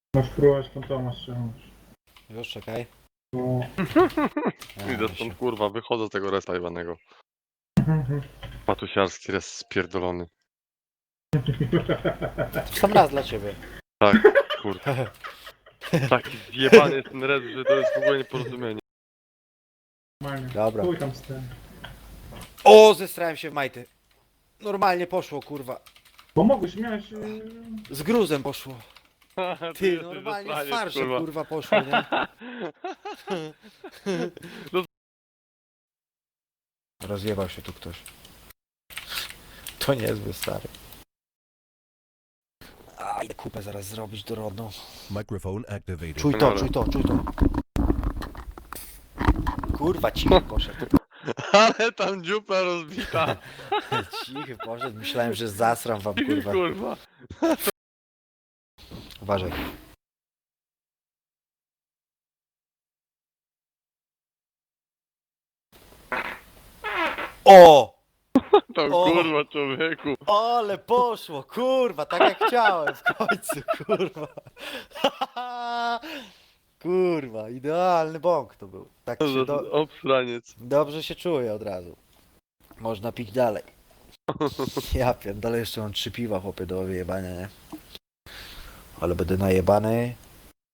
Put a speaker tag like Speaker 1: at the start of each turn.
Speaker 1: Masz próbować fantoma ściągnąć.
Speaker 2: Już czekaj.
Speaker 1: No.
Speaker 3: Idę stąd, kurwa, wychodzę z tego respa jebanego. Patusiarski res spierdolony.
Speaker 2: Sam raz dla ciebie.
Speaker 3: Tak, kurwa. Taki zjebany jest ten res, że to jest w ogóle nieporozumienie.
Speaker 1: Normalnie.
Speaker 2: Dobra.
Speaker 1: Chuj tam z tym.
Speaker 2: O, zestrałem się w majty. Normalnie poszło, kurwa.
Speaker 1: Pomogłeś, miałeś...
Speaker 2: Z gruzem poszło. Ty,
Speaker 3: jesteś
Speaker 2: normalnie z
Speaker 3: zasraniec,
Speaker 2: farszem, kurwa, poszło, nie? Rozjebał się tu ktoś. To niezły, stary. A, idę kupę zaraz zrobić dorodną.
Speaker 4: Microphone activated.
Speaker 2: Czuj to, czuj to, czuj to. Kurwa, cichy poszedł.
Speaker 3: Ale tam dziupla rozbita.
Speaker 2: Cichy poszedł, myślałem, że zasram wam, kurwa.
Speaker 3: Kurwa.
Speaker 2: Uważaj. O!
Speaker 3: To
Speaker 2: O!
Speaker 3: kurwa, człowieku.
Speaker 2: Ale poszło, kurwa, tak jak chciałem w końcu, kurwa. Kurwa, idealny bąk to był. Tak się
Speaker 3: Obsraniec.
Speaker 2: dobrze się czuję od razu. Można pić dalej. Ja pierdolę, jeszcze mam 3 piwa, chłopie, do wyjebania, nie? Ale będę najebany.